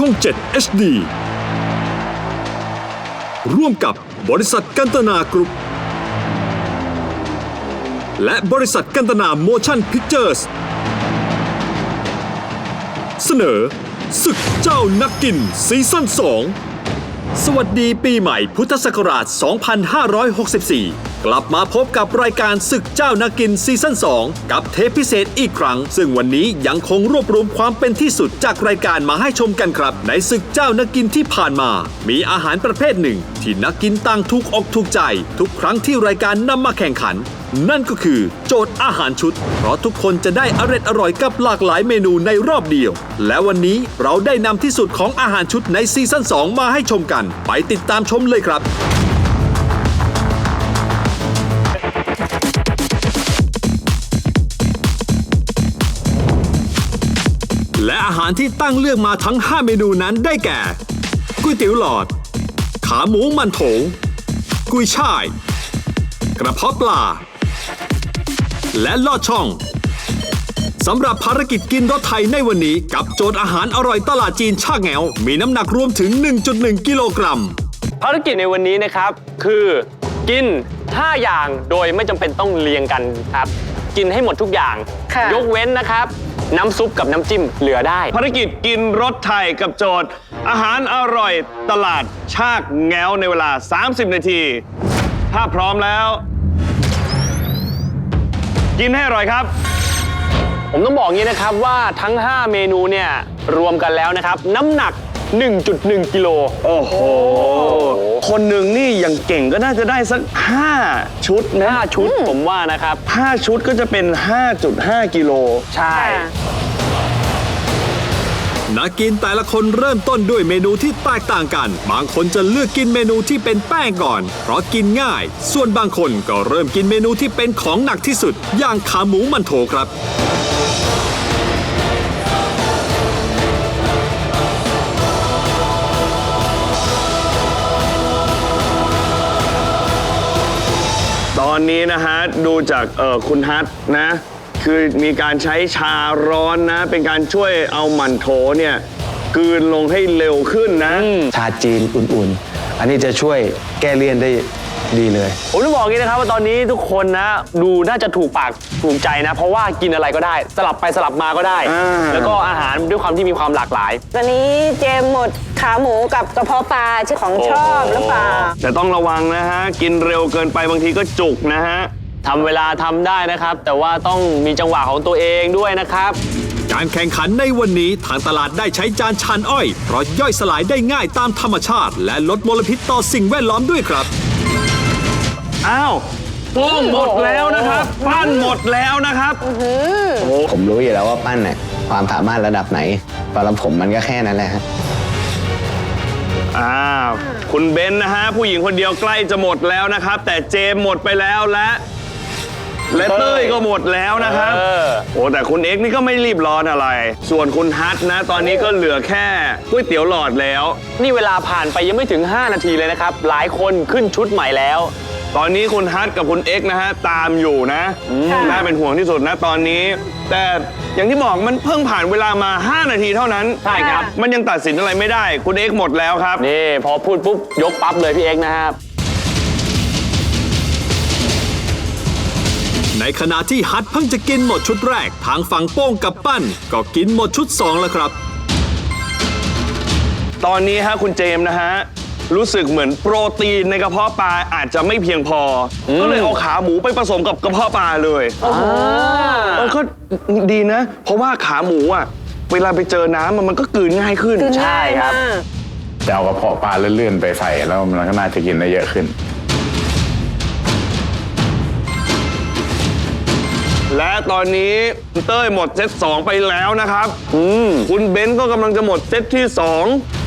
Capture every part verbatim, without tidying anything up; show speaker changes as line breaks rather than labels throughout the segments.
ช่อง เจ็ด เอช ดี ร่วมกับบริษัทกันตนากรุ๊ปและบริษัทกันตนาโมชั่นพิกเจอร์สเสนอศึกเจ้านักกินซีซั่นสองสวัสดีปีใหม่พุทธศักราช สองพันห้าร้อยหกสิบสี่ กลับมาพบกับรายการศึกเจ้านักกินซีซั่นสองกับเทปพิเศษอีกครั้งซึ่งวันนี้ยังคงรวบรวมความเป็นที่สุดจากรายการมาให้ชมกันครับในศึกเจ้านักกินที่ผ่านมามีอาหารประเภทหนึ่งที่นักกินต่างถูกอกถูกใจทุกครั้งที่รายการนำมาแข่งขันนั่นก็คือโจทย์อาหารชุดเพราะทุกคนจะได้อร่อยอร่อยกับหลากหลายเมนูในรอบเดียวและวันนี้เราได้นำที่สุดของอาหารชุดในซีซั่นสองมาให้ชมกันไปติดตามชมเลยครับและอาหารที่ตั้งเลือกมาทั้งห้าเมนูนั้นได้แก่ก๋วยเตี๋ยวหลอดขาหมูมันโถกุยช่ายกระเพาะปลาและลอดช่องสำหรับภารกิจกินรสไทยในวันนี้กับโจทย์อาหารอร่อยตลาดจีนชากแงวมีน้ำหนักรวมถึง หนึ่งจุดหนึ่ง กิโลกรัม
ภารกิจในวันนี้นะครับคือกินห้าอย่างโดยไม่จำเป็นต้องเรียงกันครับกินให้หมดทุกอย่างยกเว้นนะครับน้ำซุปกับน้ำจิ้มเหลือได้
ภารกิจกินรสไทยกับโจทย์อาหารอร่อยตลาดชากแงวในเวลาสามสิบนาทีถ้าพร้อมแล้วกินให้อร่อยครับ
ผมต้องบอกงี้นะครับว่าทั้งห้าเมนูเนี่ยรวมกันแล้วนะครับน้ำหนัก หนึ่งจุดหนึ่ง กิโล
โอ้โหคนหนึ่งนี่อย่างเก่งก็น่าจะได้สักห้าชุดนะ
ห้าชุดผมว่านะครับ
ห้าชุดก็จะเป็น ห้าจุดห้า กิโล
ใช่
นักกินแต่ละคนเริ่มต้นด้วยเมนูที่แตกต่างกันบางคนจะเลือกกินเมนูที่เป็นแป้งก่อนเพราะกินง่ายส่วนบางคนก็เริ่มกินเมนูที่เป็นของหนักที่สุดอย่างขาหมูมันโถครับ
ตอนนี้นะฮะดูจากเออคุณฮัทนะคือมีการใช้ชาร้อนนะเป็นการช่วยเอาหมั่นโถเนี่ยกลืนลงให้เร็วขึ้นนะ
ชาจีนอุ่นๆอันนี้จะช่วยแก้เลี่ยนได้ดีเลย
ผมต้องบอกงี้นะครับว่าตอนนี้ทุกคนนะดูน่าจะถูกปากถูกใจนะเพราะว่ากินอะไรก็ได้สลับไปสลับมาก็ได้แล้วก็อาหารด้วยความที่มีความหลากหลาย
ตอนนี้เจมหมดขาหมูกับกระเพาะปลาชื่อของชอบหรือเปล่า
แต่ต้องระวังนะฮะกินเร็วเกินไปบางทีก็จุกนะฮะ
ทำเวลาทำได้นะครับแต่ว่าต้องมีจังหวะของตัวเองด้วยนะครับ
การแข่งขันในวันนี้ทางตลาดได้ใช้จานชานอ้อยเพราะย่อยสลายได้ง่ายตามธรรมชาติและลดมลพิษต่อสิ่งแวดล้อมด้วยครับ
อ้าวป้งหมดแล้วนะครับปั้นหมดแล้วนะครับ
ผมรู้อยู่แล้วว่าปั้นเนี่ยความสามารถระดับไหนสำหรับผมมันก็แค่นั้นแหละฮะ
อ้าวคุณเบนนะฮะผู้หญิงคนเดียวใกล้จะหมดแล้วนะครับแต่เจมหมดไปแล้วและและเต้ยก็หมดแล้วนะครับโอ้แต่คุณเอ็กซ์นี่ก็ไม่รีบร้อนอะไรส่วนคุณฮัทนะตอนนี้ก็เหลือแค่ก๋วยเตี๋ยวหลอดแล้ว
นี่เวลาผ่านไปยังไม่ถึงห้านาทีเลยนะครับหลายคนขึ้นชุดใหม่แล้ว
ตอนนี้คุณฮัทกับคุณเอ็กซ์นะฮะตามอยู่นะน่าเป็นห่วงที่สุดนะตอนนี้แต่อย่างที่บอกมันเพิ่งผ่านเวลามาห้านาทีเท่านั้น
ใช่ครับ
มันยังตัดสินอะไรไม่ได้คุณเอ็กซ์หมดแล้วครับ
นี่พอพูดปุ๊บยกปั๊บเลยพี่เอ็กซ์นะครับ
ในขณะที่ฮัทเพิ่งจะกินหมดชุดแรกทางฝั่งโป้งกับปั้นก็กินหมดชุดสองแล้วครับ
ตอนนี้ฮะคุณเจมส์นะฮะรู้สึกเหมือนโปรตีนในกระเพาะปลาอาจจะไม่เพียงพอก็เลยเอาขาหมูไปผสมกับกระเพาะปลาเลยเออก็ดีนะเพราะว่าขาหมูอ่ะเวลาไปเจอน้ำมันก็กลืนง่ายขึ้น
ใช่ครับ
จะเอากระเพาะปลาเลื่อนๆไปใส่แล้วมันก็น่าจะกินได้เยอะขึ้น
และตอนนี้เต้ยหมดเซตสองไปแล้วนะครับคุณเบนซ์ก็กำลังจะหมดเซตที่สอง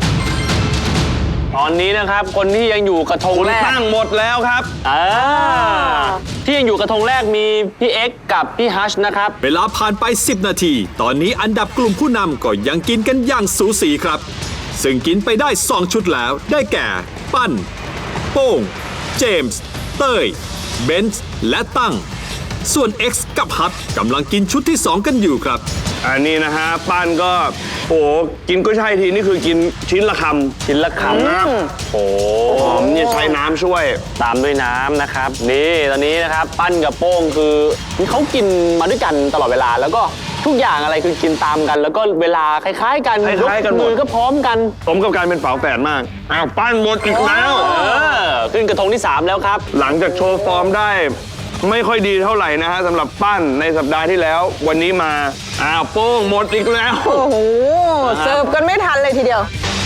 ตอนนี้นะครับคนที่ยังอยู่กระทงแรก
คุณตั้งหมดแล้วครับ
ที่ยังอยู่กระทงแรกมีพี่เอ็กซ์กับพี่ฮัชนะครับ
เวลาผ่านไปสิบนาทีตอนนี้อันดับกลุ่มผู้นำก็ยังกินกันอย่างสูสีครับซึ่งกินไปได้สองชุดแล้วได้แก่ปั้นโป้งเจมส์เต้ยเบนซ์และตั้งส่วน X กับฮัทกำลังกินชุดที่สองกันอยู่ครับ
อันนี้นะฮะปั้นก็โอ้กินก็ใช่ทีนี่คือกินชิ้นละคำ
ชิ้นละคำนะโอ้
หอมนี่ใช้น้ำช่วย
ตามด้วยน้ำนะครับนี่ตอนนี้นะครับปั้นกับโป้งคือเขากินมาด้วยกันตลอดเวลาแล้วก็ทุกอย่างอะไรคือกินตามกัน แล้วก็เวลาคล้ายๆกัน
คล้ายๆกันหมด
มือก็พร้อมกัน
สมกับการเป็นฝาแฝดมากอ้าวปั้นหมดอีกแล้ว
เออขึ้นกระทงที่สามแล้วครับ
หลังจากโชว์ฟอร์มได้ไม่ค่อยดีเท่าไหร่นะฮะสำหรับปั้นในสัปดาห์ที่แล้ว วันนี้มาอ้าวโป้งหมดอีกแล้ว
โอ้โห เสิร์ฟกันไม่ทันเลยทีเดียว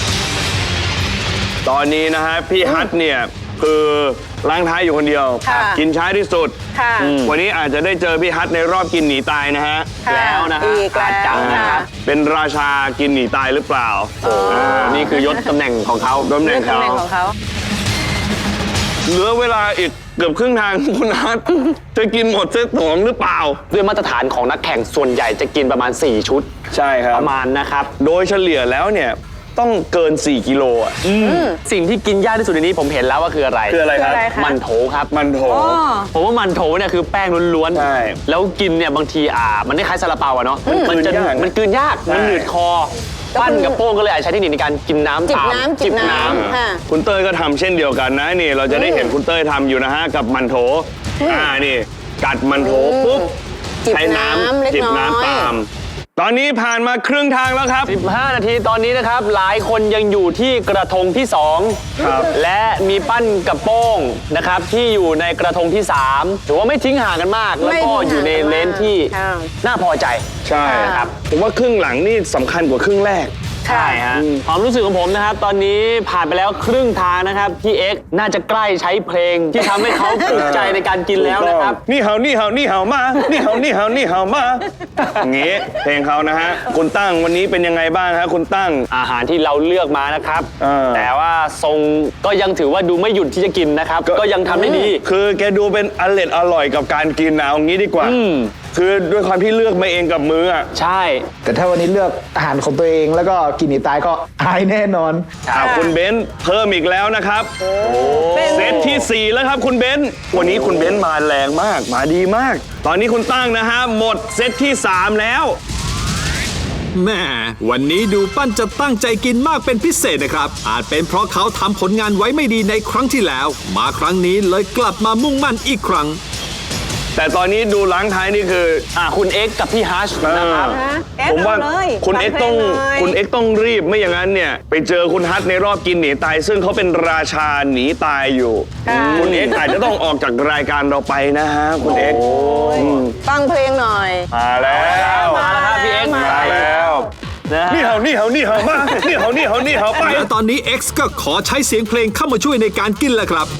ตอนนี้นะฮะพี่ฮัทเนี่ยคือล้างท้ายอยู่คนเดียว
ค่ะ
กินช้าที่สุด
ค่ะ
วันนี้อาจจะได้เจอพี่ฮัทในรอบกินหนีตายนะฮะ
ค่ะ
แล้วนะฮะ
อีกแล้ว
อาจจะนะ
ค่ะ
เป็นราชากินหนีตายหรือเปล่า
นี่คือยศตำแหน่งของเขา
ตำแหน่
เรื่อง
ง
ตำ
เขา
แหน่งของเขา
เหลือเวลาอีกเกือบครึ่งทาง คุณฮัทจะกินหมดเซตสองหรือเปล่า
ด้วยมาตรฐานของนักแข่งส่วนใหญ่จะกินประมาณสี่ชุด
ใช่ครับ
ประมาณนะครับ
โดยเฉลี่ยแล้วเนี่ยต้องเกินสี่กิโลอ่ะ
สิ่งที่กินยากที่สุดในนี้ผมเห็นแล้วว่าคืออะไร
คืออะไรครับ
คืออะไรคะ
มันโถครับ
มันโถ
อ๋อ
ผมว่ามันโถเนี่ยคือแป้งล้วน
ใช่
แล้วกินเนี่ยบางทีอ่ามันคล้ายๆซาลาเปาอะเนาะมันจะ
กลืนยาก
มันกลืนยาก
ใช่
มันหนืดคอ ปั้นกับโป้งก็เลยอาจใช้เทคนิคในการกินน้ำ
จิบ
ตาม
น้ำจิบน้ำค่ะ
คุณเต้ยก็ทำเช่นเดียวกันนะนี่เราจะได้เห็นคุณเต้ยทำอยู่นะฮะกับมันโถอ่านี่กัดมันโถปุ๊บ
จิบ
ใช้
น้ำเล็ก
จิบ
น้อย
น้ำตาม ตอนนี้ผ่านมาครึ่งทางแล้วครับ
สิบห้านาทีตอนนี้นะครับ หลายคนยังอยู่ที่กระทงที่สอง
ครับ
และมีปั้นกับโป้งนะครับที่อยู่ในกระทงที่สามถือว่าไม่ทิ้งห่างกันมาก แล้วก็อยู่ในเลนที่
ค่ะ
น่าพอใจ
ใช่
ครับ
ผมว่าครึ่งหลังนี่สำคัญกว่าครึ่งแรก
ใช่ฮะความรู้สึกของผมนะครับ ตอนนี้ผ่านไปแล้วครึ่งทางนะครับพี่เอ็กซ์น่าจะใกล้ใช้เพลงที่ทำให้เขาถูกใจในการกินแล้วนะครับ
นี่เห่านี่เห่านี่เห่ามา นี่เห่านี่เห่านี่เห่ามาอย่างงี้เพลงเขานะฮะคุณตั้งวันนี้เป็นยังไงบ้างฮะคุณตั้ง
อาหารที่เราเลือกมานะครับ
เออ
แต่ว่าทรงก็ยังถือว่าดูไม่หยุดที่จะกินนะครับ ก็ยังทำได้ดี
คือแกดูเป็นอร่อยอร่อยกับการกินนะเอางี้ดีกว่า
อืม
คือด้วยความที่เลือกมาเองกับมืออ่ะ
ใช่
แต่ถ้าวันนี้เลือกอาหารของตัวเองแล้วก็กินหนีตายก็อายแน่นอน
อ่าคุณเบนซ์เพิ่มอีกแล้วนะครับเซตที่สี่แล้วครับคุณเบนซ์วันนี้คุณเบนซ์มาแรงมากมาดีมาก ตอนนี้คุณตั้งนะฮะหมดเซตที่สามแล้ว
แม่วันนี้ดูปั้นจะตั้งใจกินมากเป็นพิเศษนะครับ อาจเป็นเพราะเขาทำผลงานไว้ไม่ดีในครั้งที่แล้ว มาครั้งนี้เลยกลับมามุ่งมั่นอีกครั้ง
แต่ตอนนี้ดูล้างท้ายนี่คือ
อ่าคุณเอ็กซ์กับพี่ฮัชนะครับ
เออ
ฮะเอ็กซ์
ผมว่า
เอาเลย
คุณ
ฟัง
เอ็กซ์ต้อง
เพลงหน่อย
คุณเอ็กซ์ต้องรีบไม่อย่างนั้นเนี่ยไปเจอคุณฮัทในรอบกินหนีตาย ซึ่งเขาเป็นราชาหนีตายอยู่
ค่ะ
คุณเอ็กซ์อาจจะต้องออกจากรายการเราไปนะฮะคุณเอ็กซ์
ฟังเพลงหน่อย
มาแล้ว
มาแล้วครับพี่เอ็กซ์
มา
มาแล้ว
นะฮะ
นี่เห่านี่เห่านี่เห่ามานี่เห่านี่เห่านี่เห่าไป
และตอนนี้ X ก็ขอใช้เสียงเพลงเข้ามาช่วยในการกินแล้วครับ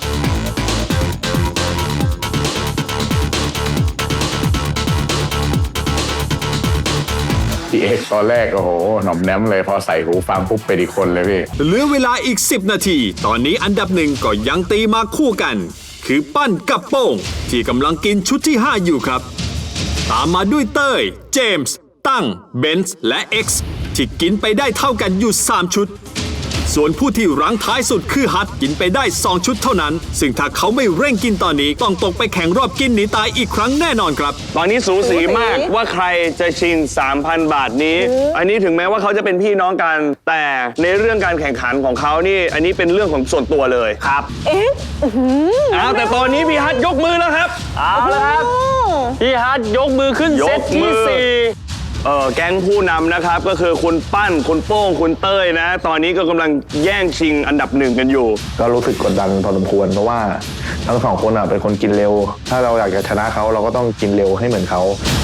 พี่เอ็กซ์ตอนแรกโอ้โหหน่อมแนมเลยพอใส่หูฟังปุ๊บเป็นอีกคนเลยพี่
เหลือเวลาอีก สิบ นาที ตอนนี้อันดับหนึ่งก็ยังตีมาคู่กัน คือปั้นกับโป้ง ที่กำลังกินชุดที่ ห้า อยู่ครับ ตามมาด้วยเต้ย เจมส์ ตั้ง เบนซ์ และ X ที่กินไปได้เท่ากันอยู่ สาม ชุด ส่วนผู้ที่รั้งท้ายสุดคือฮัทกินไปได้ สอง ชุดเท่านั้น ซึ่งถ้าเขาไม่เร่งกินตอนนี้ต้องตกไปแข่งรอบกินหนีตายอีกครั้งแน่นอนครับ
ตอนนี้สูสีมาก
สูสี
ว่าใครจะชิง สามพัน บาทนี้ อันนี้ถึงแม้ว่าเขาจะเป็นพี่น้องกัน แต่ในเรื่องการแข่งขันของเขานี่ อันนี้เป็นเรื่องของส่วนตัวเลยครับ
เอ๊ะอื้อหือ
อ้าวแต่ตอนนี้พี่ฮัทยกมือแล้วครับ
เอาละครับ
โอ้
พี่ฮัทยกมือขึ้น
ยก
เซต
มื
ที่
อ
สี่
เออแก๊งผู้นำนะครับก็คือคุณปั้นคุณโป้งคุณเต้ยนะ ตอนนี้ก็กำลังแย่งชิงอันดับหนึ่งกันอยู่
ก็รู้สึกกดดันพอสมควรเพราะว่าทั้งสองคนอ่ะเป็นคนกินเร็ว ถ้าเราอยากจะชนะเขาเราก็ต้องกินเร็วให้เหมือนเขา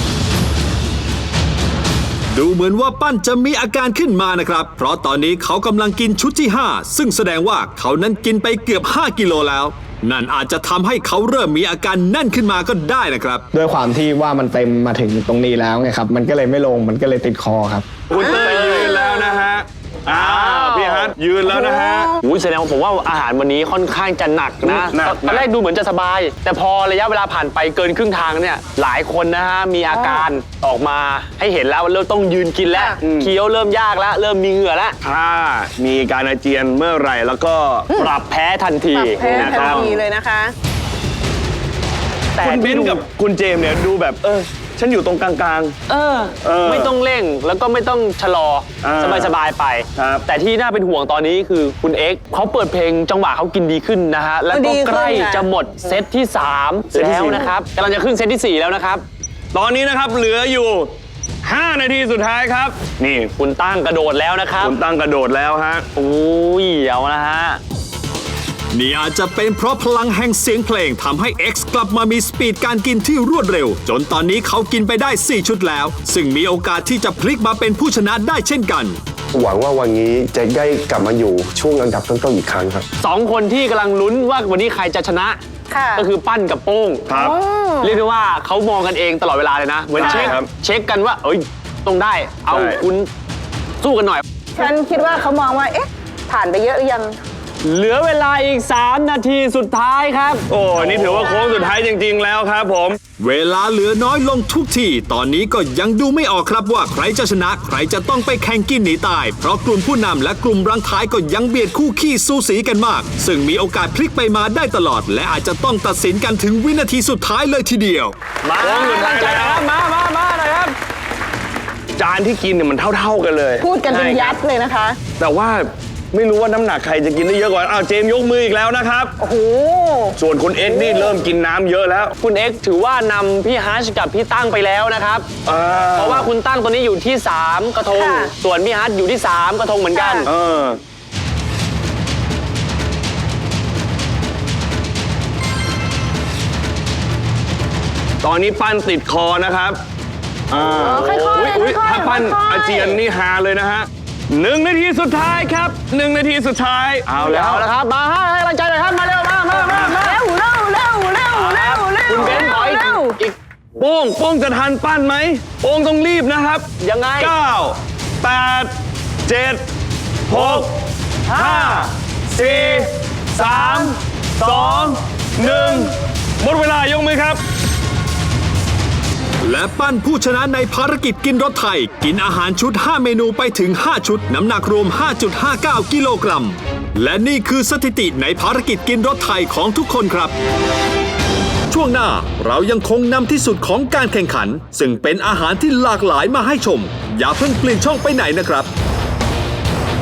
ดูเหมือนว่าปั้นจะมีอาการขึ้นมานะครับ เพราะตอนนี้เขากำลังกินชุดที่ ห้า ซึ่งแสดงว่าเขานั้นกินไปเกือบ ห้า กิโลแล้ว นั่นอาจจะทำให้เขาเริ่มมีอาการแน่นขึ้นมาก็ได้นะครับ
ด้วยความที่ว่ามันเต็มมาถึงตรงนี้แล้วไงครับ มันก็เลยไม่ลงมันก็เลยติดคอครับ
คุณเต้ยยืนแล้วนะฮะอ้าวพี่ฮัทยืนแล้วนะฮะ
อุ้ยแสดงว่าผมว่าอาหารวันนี้ค่อนข้างจะหนักนะ
หนัก
ตอนแรกดูเหมือนจะสบาย แต่พอระยะเวลาผ่านไปเกินครึ่งทางเนี่ยหลายคนนะฮะมีอาการออกมาให้เห็นแล้วว่าเริ่มต้องยืนกินแล้วเคี้ยวเริ่มยากแล้ว เริ่มมีเหงื่อแล้ว
ถ้ามีการอาเจียนเมื่อไหร่แล้วก็
ปรับแพ้ทันที
ปรับแพ้
นะค
ทัน
รับ
ทีเลยนะคะ
แต่
คุณเบ
ที่
น
ดู
ซ์กับคุณเจมส์เนี่ยดูแบบเออฉันอยู่ตรงกลาง
เออ
เออ
ไม่ต้องเร่งแล้วก็ไม่ต้องชะลอ
อ่า
สบายๆไป
ครับ
แต่ที่น่าเป็นห่วงตอนนี้คือคุณเอ็กซ์เขาเปิดเพลงจังหวะเขากินดีขึ้นนะฮะ แล้วก็ใกล้จะหมดเซตที่สามแล้วนะครับกำลังจะขึ้นเซตที่สี่แล้วนะครับ
ๆ ตอนนี้นะครับเหลืออยู่ ห้า นาทีสุดท้ายครับ นี่
คุณตั้งกระโดดแล้วนะครับ
คุณตั้งกระโดดแล้วฮะ
อุ้ยเอานะฮะ
นี่อาจจะเป็นเพราะพลังแห่งเสียงเพลงทำให้ X กลับมามีสปีดการกินที่รวดเร็ว จนตอนนี้เขากินไปได้ สี่ ชุดแล้ว ซึ่งมีโอกาสที่จะพลิกมาเป็นผู้ชนะได้เช่นกัน
หวังว่าวันนี้จะได้กลับมาอยู่ช่วงอันดับต้นๆอีกครั้งครับ
สองคนที่กำลังลุ้นว่าวันนี้ใครจะชนะ
ค่ะ
ก็คือปั้นกับโป้ง
ครับ
เรียกได้ว่าเขามองกันเองตลอดเวลาเลยนะ เหมือน
ใช่
เช็ค
ครับ
เช็คกันว่า เอ้ยต้องได้ เอา
ใช่
คุณสู้กันหน่อย
ฉันคิดว่าเขามองว่า เอ๊ะ ผ่านไปเยอะหรือยัง
เหลือเวลาอีก สาม นาทีสุดท้ายครับ
โอ้นี่ถือว่าโค้งสุดท้ายจริง ๆ แล้วครับผม
เวลาเหลือน้อยลงทุกที ตอนนี้ก็ยังดูไม่ออกครับว่าใครจะชนะ ใครจะต้องไปแข่งกินหนีตาย เพราะกลุ่มผู้นำและกลุ่มรังท้ายก็ยังเบียดคู่ขี้สูสีกันมาก ซึ่งมีโอกาสพลิกไปมาได้ตลอด และอาจจะต้องตัดสินกันถึงวินาทีสุดท้ายเลยทีเดียว
มา
โค้งสุดท้าย
ใจนะครับ มามามาหน่อยครับ
จานที่กินเนี่ยมันเท่า ๆกันเลย
พูดกันเป็นยัดเลยนะคะ
แต่ว่าไม่รู้ว่าน้ำหนักใครจะกินได้เยอะกว่าอ้าวเจมส์ยกมืออีกแล้วนะครับ
โอ้โห
ส่วนคุณเอ็กซ์นี่เริ่มกินน้ำเยอะแล้ว
คุณเอ็กซ์ถือว่านำพี่ฮัชกับพี่ตั้งไปแล้วนะครับ
อ่า
เพราะว่าคุณตั้งตัวนี้อยู่ที่ สาม กระทง
ค่ะ
ส่วนพี่ฮัชอยู่ที่ สาม กระทงเหมือนกัน
เออ ตอนนี้ปั้นติดคอนะครับอ่า
ค่อยๆ
อุ๊ยอุ๊ย
ค่อยๆ
ถ้าปั้น
ค่อยๆ
อาเจียนนี่ฮาเลยนะฮะหนึ่งนาทีสุดท้ายครับหนึ่งนาทีสุดท้าย เอาแล้ว
เอาละครับ มาให้ให้กำลังใจหน่อยครับ มาเร็ว มามามามา
เร็วเร็วเร็วเร็วเร็วเร็ว
คุณเบนซ์ขออีก
เร็ว
อีก
โป้งโป้งจะทันปั้นไหมโป้งต้องรีบนะครับ
ยังไง
เก้า แปด เจ็ด หก ห้า สี่ สาม สอง หนึ่ง หมดเวลายกมือครับ
และปั้นผู้ชนะในภารกิจกินรถไทย กินอาหารชุด ห้า เมนูไปถึง ห้า ชุด น้ำหนักรวม ห้าจุดห้าเก้า กิโลกรัม และนี่คือสถิติในภารกิจกินรถไทยของทุกคนครับ ช่วงหน้าเรายังคงนำที่สุดของการแข่งขัน ซึ่งเป็นอาหารที่หลากหลายมาให้ชม อย่าเพิ่งเปลี่ยนช่องไปไหนนะครับ